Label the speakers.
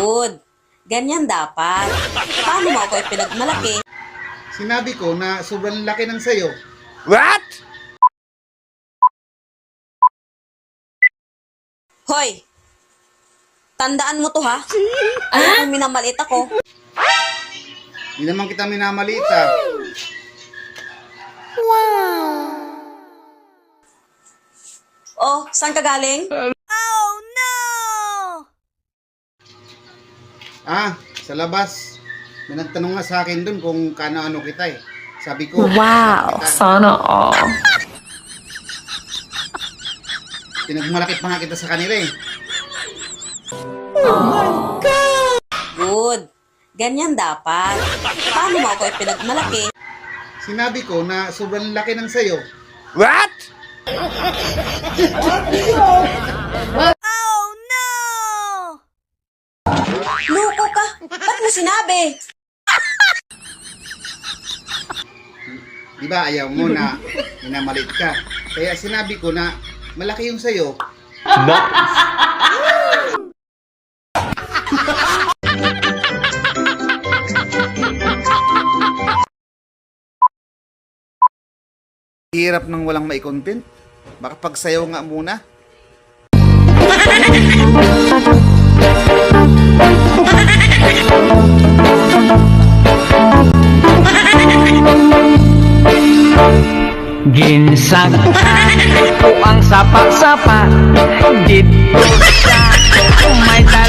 Speaker 1: Good. Ganyan dapat. Paano mo ako ipinagmalaki?
Speaker 2: Sinabi ko na sobrang laki ng sayo.
Speaker 3: What?
Speaker 1: Hoy! Tandaan mo to ha? Kung minamalit ako.
Speaker 2: Hindi naman kita minamalita.
Speaker 1: Oh, saan ka galing?
Speaker 2: Sa labas. May nagtanong nga sa akin dun kung kano-ano kita eh. Sabi ko,
Speaker 4: Wow, sana all.
Speaker 2: pinagmalaki pa nga kita sa kanila eh.
Speaker 1: Good. Ganyan dapat. Paano mo ako ipinagmalaki?
Speaker 2: Sinabi ko na sobrang laki ng sayo.
Speaker 3: What?
Speaker 1: Loko ka! Ba't mo sinabi?
Speaker 2: Di ba ayaw mo na minamalit ka? Kaya sinabi ko na malaki yung sayo. Hirap ng walang mai-content. Baka pagsayaw nga muna.
Speaker 5: Ginsag o ang sapa-sapa dito sa may